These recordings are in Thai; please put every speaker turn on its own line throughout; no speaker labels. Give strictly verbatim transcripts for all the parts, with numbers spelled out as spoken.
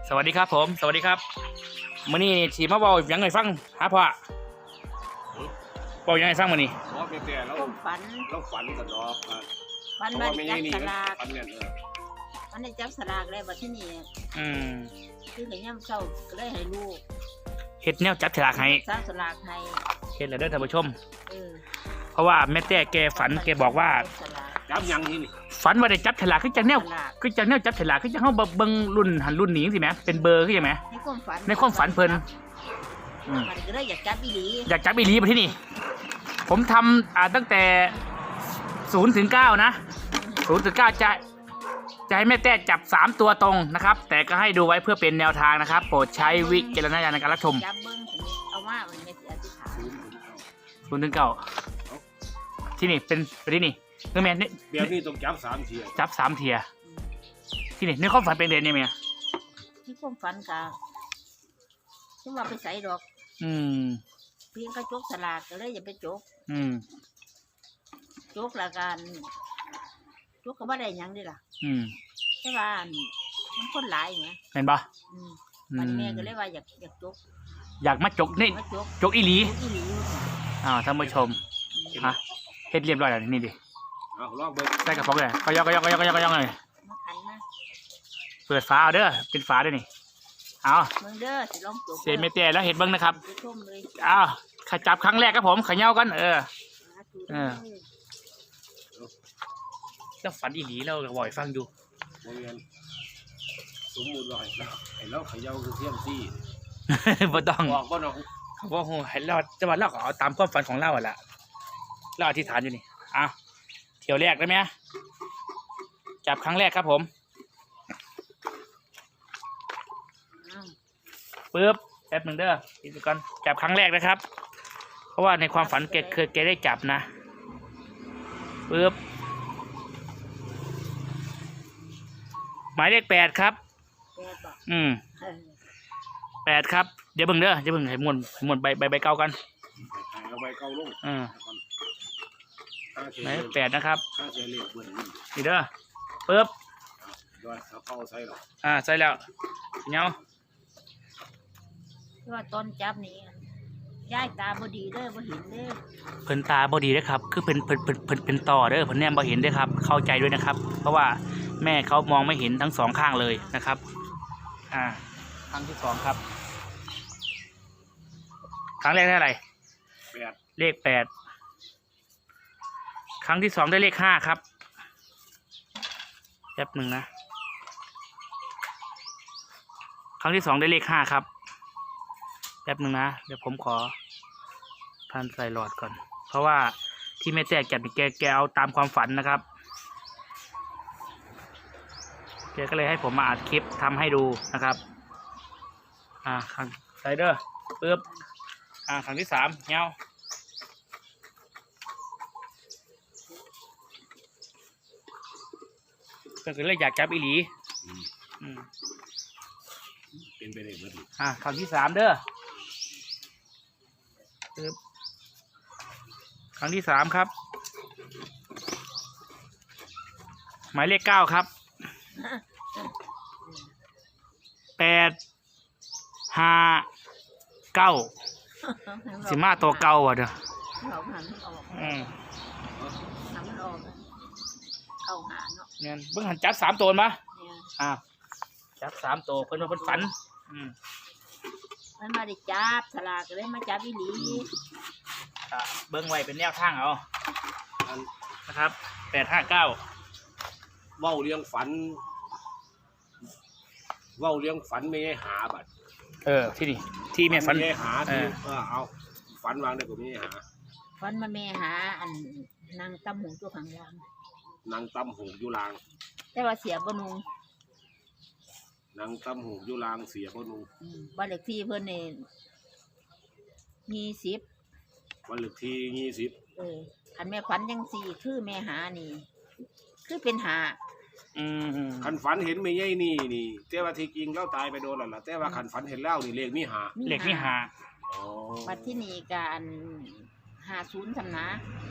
สวัสดีครับผมสวัสดีครับมื้อนี้สีมาบอกยังไงฟังหาพ่อบอกยังไงฟังมื้อนี้
บอกแต่เรา
ฝัน
เราฝันกันดอก
ฝันมันจับสลาก
ฝันเนี่ยเออ
มันได้จับสลากแล้วบัดที่นี่
อืม
คือให้ย่ำเช้าก็เลยให้ลูก
เฮ็ดแนวจับฉลากให้
จับสลากให้
เฮ็ดแล้วเด้อท่านผู้ชม
เออ
เพราะว่าแม่แต่แกฝันแกบอกว่า
จับยังนี่นี่
ฝันว่าได้จับฉลากคือจังแนวคือจังแนวจับฉลากคือจังเฮาเบิ่งรุ่นหันรุ่นนี้สิแหมเป็นเบอร์คือจังแหม
ในความฝัน
ในความฝันเพิ่นอืม
มันก็เลยอยากจับอีหลี
อยากจับอีหลีบัดที่นี่ผมทำอ่าตั้งแต่ศูนย์ถึงเก้านะศูนย์ถึงเก้าจะจะให้แม่แต่จับสามตัวตรงนะครับแต่ก็ให้ดูไว้เพื่อเป็นแนวทางนะครับโปรดใช้วิจารณญาณในการรับชม
จับเบิ่งเอาว่ามันไม่สิอธิษฐาน
ศูนย์ถึงเก้าที่นี่เป็นไปที่นี่คือแม่นี่
เดี๋ยวนี้ต้องจับสามเทีย
จับสามเทียที่นี่ในความฝันเป็นเด่นเนี่ยแม่
ที่ความฝันกะที่ว่าไปใส่ดอก
อืม
เพียงกระจกสลากก็เลยอย่าไปจก
อืม
จกละกันจกก็บ่ได้หยังดิล่ะ
อืม
แต่ว่ามันคนหลายไง
เห็นปะ
อืมมันแม่ก็เลยว่าอยากอยากจก
อยากมาจกนี่จกอีหลีอ่าท่านผู้ชมฮะเฮ็ดเรียบร้อยแล้วนี่ดิ
เอาลองเบิ่ง
ใส่กระป๋องเลยก็ยกก็ยกก็ยกก็ยกก็ยกเลยเปิดฝาเอาเด้อเป็นฝาด้วยนี่เอา
เบิ่งเด้อสิลองจก
เสร็จไม่เตี้ยแล้วเห็ดเบิ่งนะครับอ้าวขจับครั้งแรกครับผมขย่ากันเออเออแล้วฝันอีหลีเราบ่อยฟังอยู่
บ่แม่นสมมุติว่าไอ้เราเขย่าคือเทียมซี่
บ่ต้อง
บอกบ่น้อง
เขาบอกโหให้เราจะว่าเราก็เอาตามความฝันของเราอ่ะล่ะเราอธิษฐานอยู่นี่อ้าวเที่ยวแรกได้ไหมจับครั้งแรกครับผมปึ๊บแป๊บหนึ่งเด้ออีกก่อนจับครั้งแรกนะครับเพราะว่าในความฝันแกเคยแกได้จับนะปึ๊บหมายเลขแปดครับอืมแปดครับเดี๋ยวเบิ่งเด้อเดี๋ยวเบิ่งให้มวนให้มวนใบใบใบเก่ากัน
เอาใบเก่าลง
อืมหมายเลขแปดนะครับนี่เด้อปึ๊บ
เอาเข้าใส่หรอ
อ่าใส่แล้วเงา
ว่าตอนจับนี่ย้ายตาบดีเด้อบ่เห็นเด้อ
เพิ่นตาบดีเด้อครับคือเพิ่นเพิ่นเพิ่นเพิ่นเป็นต่อเด้อเพิ่นแนมบ่เห็นเด้อครับเข้าใจด้วยนะครับเพราะว่าแม่เขามองไม่เห็นทั้งสองข้างเลยนะครับอ่าครั้งที่สองครับครั้งแรกได้อะไร
แปด
เลขแปดครั้งที่สองได้เลขห้าครับแป๊บหนึ่งนะครั้งที่สองได้เลขห้าครับแป๊บหนึ่งนะเดี๋ยวผมขอพันใส่หลอดก่อนเพราะว่าที่แม่แจ๊กจัดแกแกเอาตามความฝันนะครับแกก็เลยให้ผมมาอัดคลิปทำให้ดูนะครับอ่าครั้งใส่เด้อปึ๊บอ่าครั้งที่สามเงาก็คือเลยอยากจับอีหลีอืม
เป็นไปได้หมด
อ่าครั้งที่สามเด้อปึ๊บครั้งที่สามครับหมายเลขเก้าครับแปดห้าเก้าสิมาตัวเก่าอ่ะเด้ออืมเนี่ยเบิ่งหันจับสามตัวมาอ่าจับสามตัวเพิ่นว่าเพิ่นฝันอืม
มันมาได้จับสลากเลยมาจับอีหลี
เบิ้งไว้เป็นแนวทางเอานะครับแปดห้าเก้า
เว้าเลี้ยงฝันเว้าเลี้ยงฝันไม่ให้หาบัด
เออที่นี่ที่แม่ฝัน
ไม่ให้หาที่เออเอาฝันวางได้ผมไม่ให้หา
ฝันมาแม่หาอันนางตำหูตัวข้างล่าง
นางตำหูอยู่ลาง
แต่ว่าเสียบนุง
นางตำหูอยู่ลางเสียบนุง
บ้านเลขที่เพิ่นเนี่ยมีสิบ
วันเลขที่ยี่สิบ
เออคันแม่ฝันยังสี่คือแม่หานี่คือเป็นหา
อืม
คันฝันเห็นไม่ใช่นี่นี่แต่ว่าที่จริงเล่าตายไปโดนแล้วล่ะแต่ว่าคันฝันเห็นเล่านี่เลขมีหา
เลขมีหา
ปัจจุบันการหาศูนย์ทำนะ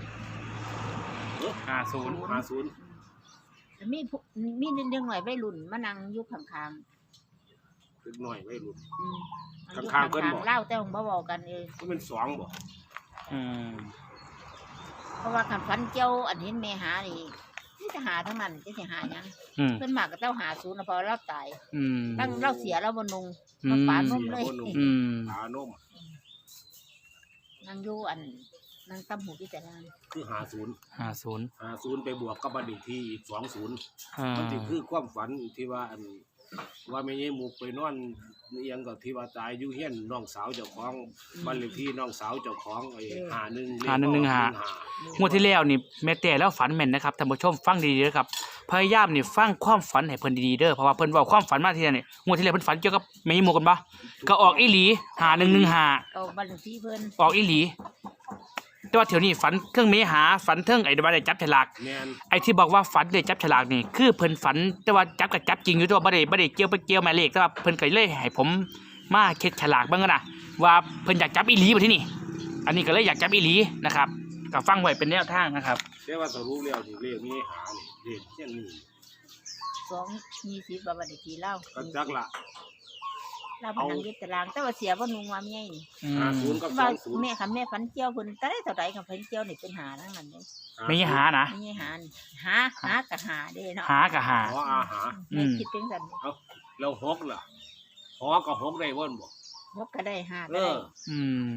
หาศูนย์
หาศูนย์
มีมีเรื่องหน่อยใบรุ่นมานั่งยุคข้าง
เล็กน้อยไม่รุ่น
อืม
ข้างๆเพิ่นบอก
เล่าแต่ของบ่เว้ากันเอง
ก็เป็นสองบ่
อืม
เพราะว่าคันฝันเจ้าอันเห็นแม่หานี่นี่จะหาทั้งนั้นจะสิหาหยัง
อืม
เพิ่นมากก็เจ้าหาศูนย์นะเพราะเราตาย
อืม
ตั้งเราเสียเราบ่นุง
อื
เรา
ม
ปานนมเลย
อืม
หานม
นั่งอยู่อันนั่งตำหูที่แต่ลาน
คือหาศูนย์
ห้าศูนย์
หาศูนย์ไปบวกกับบัตรอีกที่อีกสองศูนย์
อ่า
มันสิคือความฝันที่ว่าอันว่าแม่ยายหมูไปนอนเอียงกับที่ว่าตายอยู่เฮียนน้องสาวเจ้าของบ้านเลขที่น้องสาวเจ้าของไอ้หาหนึ่ง
หาหนึ่งหนึ่งหา งวดที่แล้วนี่แม่แต่แล้วฝันแม่นนะครับท่านผู้ชมฟังดีๆเด้อครับพยายามนี่ฟังความฝันให้เพิ่นดีๆเด้อเพราะว่าเพิ่นเว้าความฝันมาทีละนี่งวดที่แล้วเพิ่นฝันเกี่ยวกับแม่หมูกันบ่ก็ออกอีหลีหาหนึ่งหนึ่งหา
เอาบ้านเลขที่เพิ่น
ออกอีหลี แต่ว่าเที่ยวนี้ฝันเครื่องเมหาฝันเทิงไอ้ว่าได้จับฉลาก
แม่น
ไอ้ที่บอกว่าฝันได้จับฉลากนี่คือเพิ่นฝันแต่ว่าจับก็จับจริงอยู่แต่ว่าบ่ได้บ่ได้เกี่ยวไปเกี่ยวหมายเลขแต่ว่าเพิ่นก็เลยให้ผมมาเช็คฉลากเบิ่งกันนะว่าเพิ่นอยากจับอีหลีบ่ที่นี่ อันนี้ก็เลยอยากจับอีหลีนะครับก็ฟังไว้เป็นแนวทางนะครับ
แต่ว่าสรุปแล้วที่เรียกมีหานี่เรียกเช่นนี้
สองยี่สิบบ้านเลขที่เล่า
ก็จักละ
เราไปนั่งยึดตารางแต่ว่าเสียบ่นุงว่าเมียนี่
อื
หาม ศูนย์กับส
ว่า
องศูนย์
แม่คันแม่ฝันเจียวเพิ่นแต่ได้เท่าใดกับฝันเจียวนี่เป็นหาทั้งนั้นเด้
ไม่ใช่หานะ
ไม่ใช่หานี่หาหากับหาเด้เนาะ
หากับหา
หออาหา
อืม
แม่คิดเป็นสัน
แล้วหกล่ะหอกับหกได้บ่นบ่
ยกก็ได้หา
เอ
ก็ได้
อ
อืม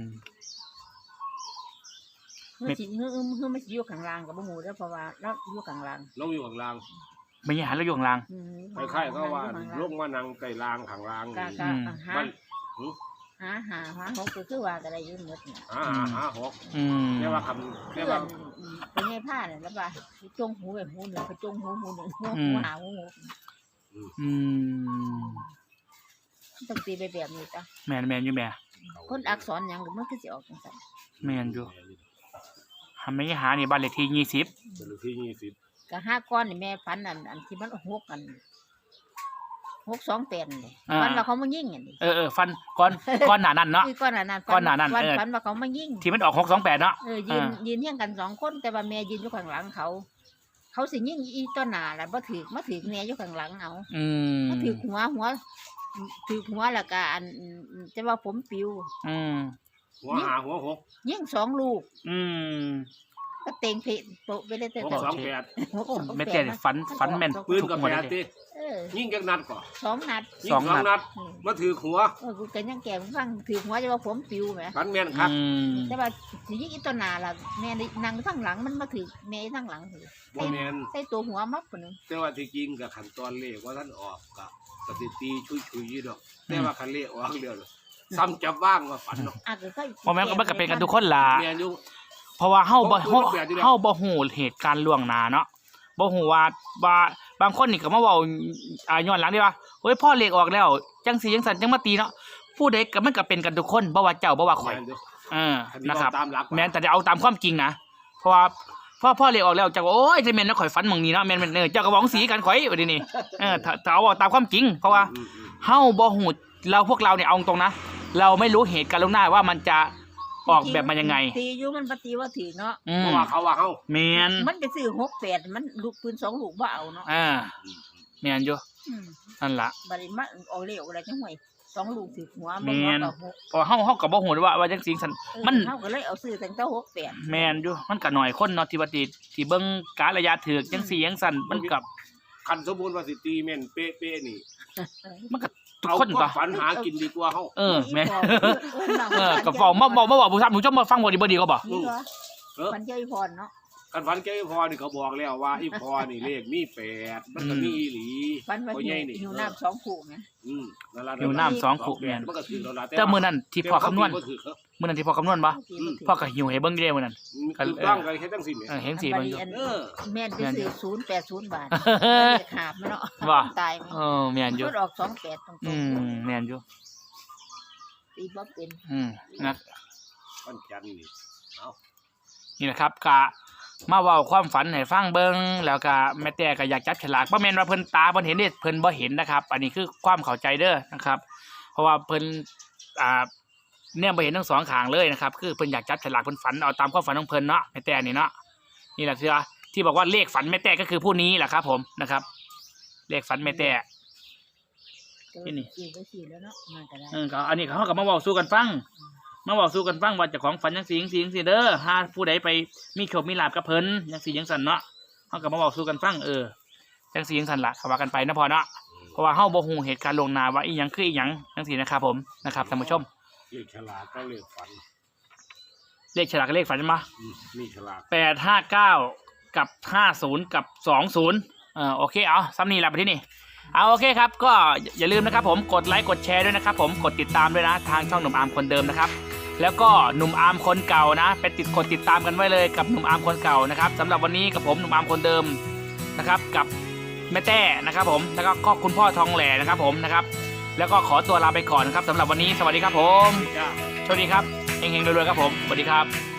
เฮือสิเฮือเฮือมันสิอยู่ข้างล่างกับบ่ฮู้เด้อเพราะว่าเราอยู่ข้างล่าง
เราอยู่ข้างล่าง
ไม่ใช่หาแล้วอยู่ข้างล่าง
อืม
คล้ายๆก็ว่า
อยู่ข้ง
ลงมานั่งใต้ล่างข้างล่าง
ก็
นี่
ก็
อืม
หา
มันหึ
หาหาหาหกก็คือว่าก็ได้อยู่หมดเนี่ย
หาหาหาหก
อืม
แต่ว่าคำแต่
เพื่อ
ว่าน
เป็นไงผ้าเนี่ยแล้วว่าจงหูแบบหูหนึ่งไปจงหูหูหนึ่งหูหูหาหูหู
อืม
ต้องตีไปแบบนี้จ้ะ
แมนแมนอยู่แม่
คนอักษรหยังก็มันคือสิออกจังซั่น
แมนอยู่ทำไม่ใช่หานี่บ้านเลขที่ยี่สิบ
เป็นเลขที่ยี่สิบ
ก็ห้าก้อนนี่แม่ฝันอันอันที่มันหกกันหกสองแปดนี่ฝันว่าเขามายิงอันนี้
เออเออฟันก้อนก้อนหนานั่นเนาะ
คือก้อนหนานั้น
ก้อนหนานั้น
ฝัน
เออ
ฝันว่าเขามายิง
ที่มันออกหกสองแปดเนาะ
เออยืน
อ่า
ยืนเฮียงกันสองคนแต่ว่าแม่ยืนอยู่ข้างหลังเขา เขาสิยิงอีต้นหนาแล้วบ่ถือมาถือแม่อยู่ข้างหลังเอา
อืม
มาถือหัวหัวถือหัวแล้วก็อันจะว่าผมปิว
อืม
หัวหาหัวหก
ยิงสองลูก
อืม
ก็เต็งเพะโปะไปเลยแต่
หก
แต่
สองแปด
หกสอง
แม่
แป
แต่
ดนะ
ฝันฝันแม่น
ปืนกับ
ทุหม
แป
ด
ด
เลย
ติ
เออ
ยิงจากนัดก่อน
สองนัด
ยิง
สอง
สอง
นั
นั
ด
ดมาถือหัว
เออกูกันยังแก่ฟังถือหัวจะว่าผมปิวไหม
ฝันแม่นครับ
อืม
แต่ว่าสิยิงอีต้นหนาล่ะแม่ได้นั่งทั้งหลังมันมาถือแม่ทั้งหลังถือ
บ่แม่น
ใส่ตัวหัวมักคนนึง
แต่ว่าที่จริงกับขั้นตอนเลขว่าท่านออกกับปฏิตีชุยๆอยู่ดอกแต่ว่าคันเลขออกเดียวเลยซ้ำจับว่างว่าฝันเนาะ
อ่ะก็ค่อย
เพราะแม่นก็มันก็เป็นกันทุกคนล่ะ
แม่นอยู่
เพราะว่าเฮาบ่
เพราะ
เฮา
ว่าแบบนี้แหละ
เฮาบ่ฮู้เหตุการณ์ล่วงหน้าเนาะบ่ฮู้ว่าว่าบางคนนี่ก็มาเว้าอ่าย้อนหลังได้ว่าเฮ้ยพ่อเลขออกแล้วจังสิจังซั่นจังมาตีเนาะผู้ใดก็มันก็เป็นกันทุกคนบ่ว่าเจ้าบ่ว่าข่อย
แม่นอยู่
เออ
คันนี้
นะครับ
เอาตามหลัก
แม่นแต่จะเอาตามความจริงนะเพราะว่าพ่อพ่อเลขออกแล้วเจ้าก็โอ้ยจะแม่นนะข่อยฝันหม่องนี้เนาะแม่นแม่นเออเจ้าก็หวังสีกันข่อยว่าดินี่เออถ้าถ้าเอาตามความจริง เพราะว่า
อืมอืม
เฮาบ่ฮู้เราพวกเราเนี่ยเอาตรงนะเราไม่รู้เหตุการณ์ล่วงหน้าว่ามันจะออกแบบมายังไง
ตีอยู่มันปฏิว่าถือเนาะ
อื
เพ
ม
ราะว่าเขาว่าเฮา
แม่น
มันไปซื้อหกแปดมันลูกปืนสองลูกบ่เอาเนาะ
อ่าแม่นอยู่
อืม
นั่นล่ะ
บัดนี้มาออกเลขอะไรจังหวยสองลูกถือหัว
แม่
บ่
น
กับหก
เพราะเฮาเฮาก็บ่ฮู้ว่าว่าจังซี่ซั่น
เออ
มัน
เฮาก็เลยเอาซื้อตั้งแต่หกแปด
แม่นอยู่มันก็น้อยคนเนาะที่ว่าที่ที่เบิ่งกาลระยะถือจังซี่จังซั่นมันก็
คันสมมุติว่าสิตีแม่นเป๊ะๆนี่
มันก็ทุก
เอา
คน
ควา
ก็
มฝันหากินดีกว่าเฮา
เออแม่
อีพอ
เออก็เว้ามาเว้ามาเว้าผู้ท่านผู้ชมมาฟังบ่ดีบ่ดีก็บ่
นี่เหรอ
เออ
มันเจ้าอีพรเนาะ
คันฝันแกอีพอนี่เขาบอกแล้วว่าอีพอนี่เลขมีแปดมันก็มีอีหลี
ฟันว่า
พ่อ
หิ
ใหญ่
ว
นี่
หิวน้ำสองขู่ไง
อืมนั่นล่ะ
หิวน้ำสองขวด
แม่
แม่
น
น
มันก็ถือแล้วล่ะ
แต่มื้อนั้นที่พ่อคำนวณ
บ่ถือเขา
มื้อนั้นที่พ่อคำนวณบ่พ่อก็หิวให้เบิ่งอยู่เด้มื้อนั้น
คือต้องกันแค่จังซี่แหม
เออเห็นสีมันอยู่
เออ
แม่นไปซื้อศูนย์แปดศูนย์บาทขาบมันเนาะ
ว่า
ตายไหม
เออแม่นอยู่
มันออกสองแปดตรง
อืมแม่นอยู่
ๆตีบ่เป็น
อืมนะ
วันจันทร์นี่เอา
นี่นะครับกะมาเว้าความฝันให้ฟังเบิ่งแล้วก็แม่แต่ก็อยากจับฉลากบ่แม่นว่าเพิ่นตาเพิ่นเห็นเด้เพิ่นบ่เห็นนะครับ อันนี้คือความเข้าใจเด้อนะครับ เพราะว่าเพิ่นอ่าเนี่ยบ่เห็นทั้งสองข้างเลยนะครับ คือเพิ่นอยากจับฉลากเพิ่นฝันเอาตามความฝันของเพิ่นเนาะแม่แต่นี่เนาะนี่แหละที่ว่าที่บอกว่าเลขฝันแม่แต่ก็คือผู้นี้แหละครับ ผมนะครับ เลขฝันแม่แต่ที่นี่
สี่ก็สี่แล้วเนาะมาก็ได้
เออก็อันนี้เขาก็มาบอกสู้กันฟังมาบอกสู้กันฟังว่าเจ้าของฝันยังสียังสียังสีเด้อหาผู้ใดไปมีโชคมีลาภกับเพิ่นยังสียังสันเนาะเขาก็มาบอกสู้กันฟังเออยังสียังสันละเขาว่ากันไปนะพอเนาะเพราะว่าเฮาบ่ฮู้เหตุการณ์ลวงหน้าว่าอีหยังคืออีหยังจังซี่นะครับผมนะครับท่านผู้ชม
เลขฉลากก็เลขฝัน
เลขฉลากกับเลขฝันมา
อืมนี่ฉลาก
แปดห้าเก้ากับห้าศูนย์กับสองศูนย์เออโอเคเอาซ้ำนี่ละไปที่นี่เอาโอเคครับก็อย่าลืมนะครับผมกดไลค์กดแชร์ด้วยนะครับผมกดติดตามด้วยนะทางช่องหนุ่มอาร์มคนเดิมนะครับแล้วก็หนุ่มอาร์มคนเก่านะไปติดกดติดตามกันไว้เลยกับหนุ่มอาร์มคนเก่านะครับสำหรับวันนี้กับผมหนุ่มอาร์มคนเดิมนะครับกับแม่แต้นะครับผมแล้วก็ก็คุณพ่อทองแหล่นะครับผมนะครับแล้วก็ขอตัวลาไปก่อนครับสำหรับวันนี้สวัสดีครับผม
จ้า
สวัสดีครับเฮงๆรวยๆครับผมสวัสดีครับ